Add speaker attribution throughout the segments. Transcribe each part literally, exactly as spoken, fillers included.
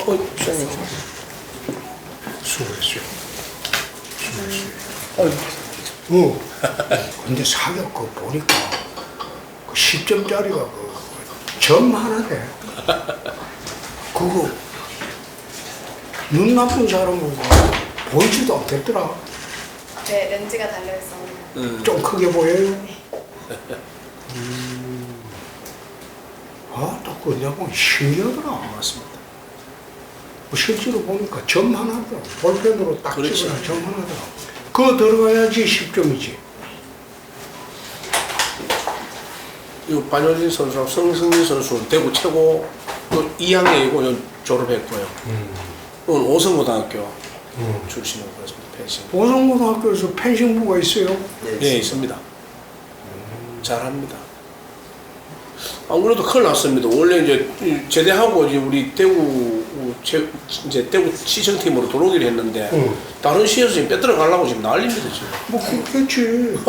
Speaker 1: 어, 시장님.
Speaker 2: 수고했어요. 수고했어요. 어. 근데 사격 그 보니까 그 십 점짜리가 그 점 하나 돼. 그거 눈 나쁜 사람은 보이지도 않겠더라.
Speaker 3: 네, 렌즈가 달려있어.
Speaker 1: 음.
Speaker 2: 좀 크게 보여요. 음. 아, 또 그거 내가 보니 신기하더라.
Speaker 1: 맞습니다.
Speaker 2: 뭐 실제로 보니까 점 하나더라. 볼펜으로 딱
Speaker 1: 그렇지.
Speaker 2: 찍어야 점 하나더라. 그거 들어가야지 십 점이지.
Speaker 1: 이 반효진 선수랑 성승민 선수는 대구 최고 이 학년이고 졸업했고요.
Speaker 2: 음.
Speaker 1: 오늘 오성고등학교
Speaker 2: 음.
Speaker 1: 출신으로 그렇습니다. 펜싱.
Speaker 2: 오성고등학교에서 펜싱부가 있어요.
Speaker 1: 네, 있습니다. 잘합니다. 안 그래도 큰일 났습니다. 원래 이제 제대하고 이제 우리 대구 제, 이제 대구 시청팀으로 들어오기로 했는데
Speaker 2: 응.
Speaker 1: 다른 시에서 지금 빼들어 가려고 지금 난립니다 지금.
Speaker 2: 뭐 그렇겠지.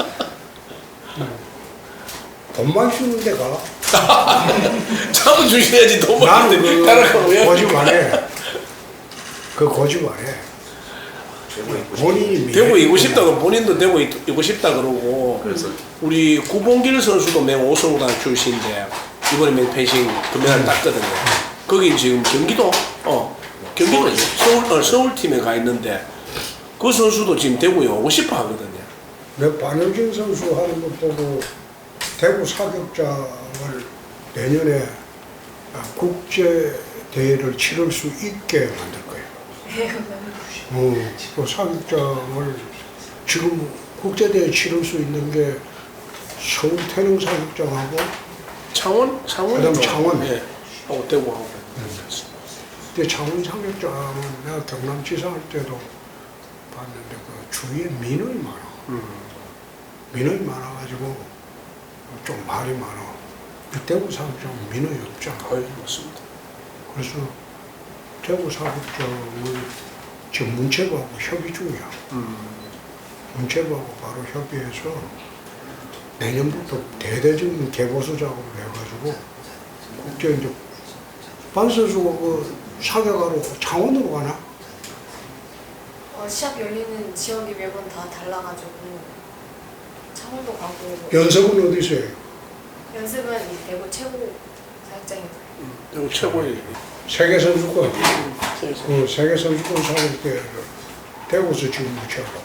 Speaker 2: 돈만 주는 데가.
Speaker 1: 잡아 주셔야지 돈
Speaker 2: 나는
Speaker 1: 많은데
Speaker 2: 그
Speaker 1: 따라가면 왜?
Speaker 2: 거짓 안 해. 그 거짓 안 해. 본인이
Speaker 1: 대구 이고 싶다고 본인도 대구 이고 싶다 그러고.
Speaker 4: 그래서
Speaker 1: 우리 구봉길 선수도 맹 오성고등학교 출신인데 이번에 맹 펜싱 금메달 땄거든요. 거기 지금 경기도 어 경기도 서울 어, 서울 팀에 가 있는데 그 선수도 지금 대구에 오고 싶어 하거든요.
Speaker 2: 내 반효진 선수 하는 거 보고 대구 사격장을 내년에 국제 대회를 치를 수 있게 만들 거예요. 어, 그 사격장을 지금 국제 대회 치를 수 있는 게 서울 태릉 사격장하고
Speaker 1: 창원 창원
Speaker 2: 그다음 창원.
Speaker 1: 예 하고 대구하고.
Speaker 2: 근데 창원 사격장은 내가 경남지사 할 때도 봤는데 그 주위에 민원이 많아.
Speaker 1: 음.
Speaker 2: 민원이 많아가지고 좀 말이 많아. 대구 사격장은 민원이 없잖아.
Speaker 1: 거의 맞습니다.
Speaker 2: 그래서 대구 사격장을 지금 문체부하고 협의 중이야.
Speaker 1: 음.
Speaker 2: 문체부하고 바로 협의해서 내년부터 대대적인 개보수 작업을 해가지고 국제 이제 반 선수가 그 사격하러 창원으로 가나?
Speaker 3: 어, 시합 열리는 지역이 매번 다 달라가지고 창원도 가고 뭐
Speaker 2: 연습은 어디서 해요?
Speaker 3: 연습은 이 대구 최고 사격장입니다.
Speaker 1: 대구 최고의
Speaker 2: 세계 선수권.
Speaker 1: 그래서
Speaker 2: 그 세계 선수권 사격 때 대구에서 지금 무치하고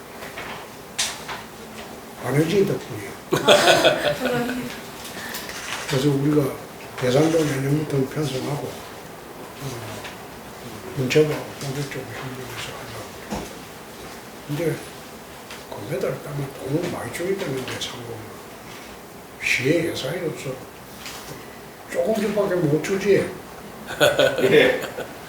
Speaker 2: 안효진 덕분이야. 그래서 우리가 대상도 내년부터 편성하고 어, 문체부하고 본격적으로 협력해서 하려고. 근데 금메달 따면 돈을 많이 줘야 되는데 상금 시에 예산이 없어. 조금씩밖에 못 주지.
Speaker 4: 예.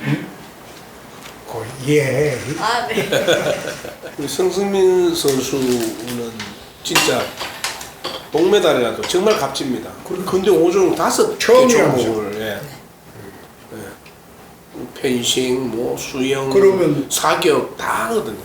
Speaker 2: 그 이해해.
Speaker 3: 아, 네.
Speaker 1: 우리 성승민 선수는 진짜 동메달이라도 정말 값집니다. 근데 오종 다섯 개
Speaker 2: 처음이라면서.
Speaker 1: 종목을 예. 예. 펜싱, 뭐 수영,
Speaker 2: 그러면-
Speaker 1: 사격 다 하거든요.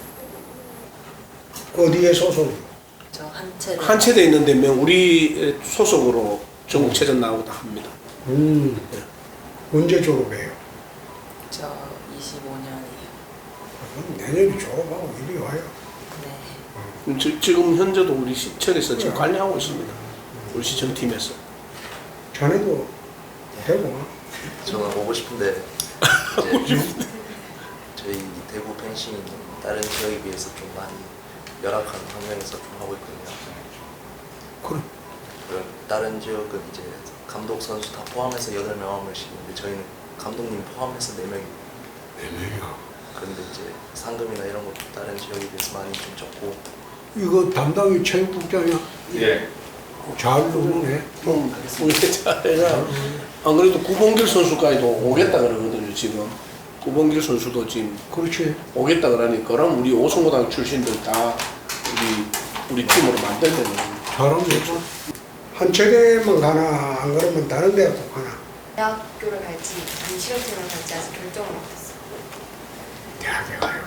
Speaker 2: 어디에 소속?
Speaker 5: 저 한채를
Speaker 1: 한 체대 있는데 명 우리 소속으로 전국체전 나오고 다 합니다.
Speaker 2: 음. 언제 졸업해요?
Speaker 5: 저 이십오 년이에요.
Speaker 2: 그럼 내년에 졸업하고 이리 와요.
Speaker 5: 네.
Speaker 1: 지- 지금 현재도 우리 시청에서 지금 관리하고 있습니다. 우리 시청팀에서.
Speaker 2: 자네도 되고.
Speaker 4: 저는 오고 싶은데 이제 저희 대구 펜싱이 다른 지역에 비해서 좀 많이 열악한 환경에서 좀 하고 있거든요.
Speaker 2: 그럼
Speaker 4: 그런 다른 지역은 이제 감독 선수 다 포함해서 여덟 명 한 명씩 있는데 저희는 감독님 포함해서 네 명이
Speaker 2: 네 명이야.
Speaker 4: 그런데 이제 상금이나 이런 것도 다른 지역에 비해서 많이 좀 적고
Speaker 2: 이거 담당이 체육국장이야.
Speaker 4: 예.
Speaker 2: 잘 노네.
Speaker 1: 좀 우리 잘해가 안 그래도 구봉길 선수까지도 오겠다 그러거든요. 지금 구봉길 선수도 지금
Speaker 2: 그렇지.
Speaker 1: 오겠다 그러니까 그럼 우리 오성고등학교 출신들 다 우리 우리 팀으로 만들면
Speaker 2: 잘하면 되죠. 한 체대만 가나 안 그러면 다른 데도 가나.
Speaker 3: 대학교를 갈지 아니면 실업팀을 갈지 아직 결정을 못했어요.
Speaker 2: 대학에 가요.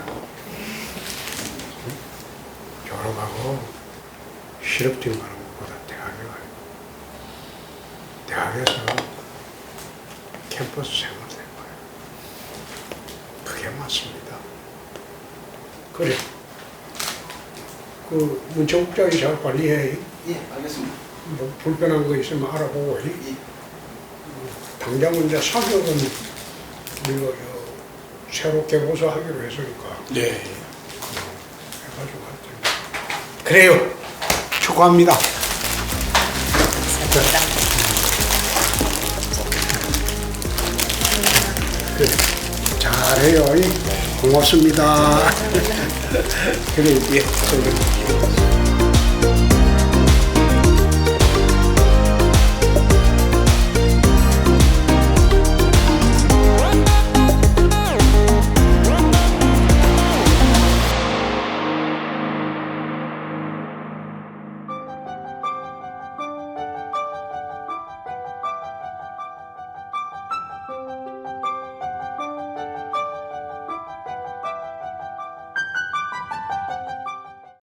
Speaker 2: 졸업하고 실업팀 가는 것보다 대학에 가요. 대학에서 캠퍼스 생활 될 거예요. 해놨습니다. 그래. 그 문체국장이 잘 관리해.
Speaker 6: 예, 알겠습니다.
Speaker 2: 뭐 불편한 거 있으면 알아보고. 이.
Speaker 6: 예.
Speaker 2: 당장은 이제 사격은 우리가 저 새롭게 고소하기로 했으니까
Speaker 1: 네.
Speaker 2: 해가지고 할 텐데. 그래요. 축하합니다. 그래. 잘해요. 이. 고맙습니다. 그래, 예, 저기.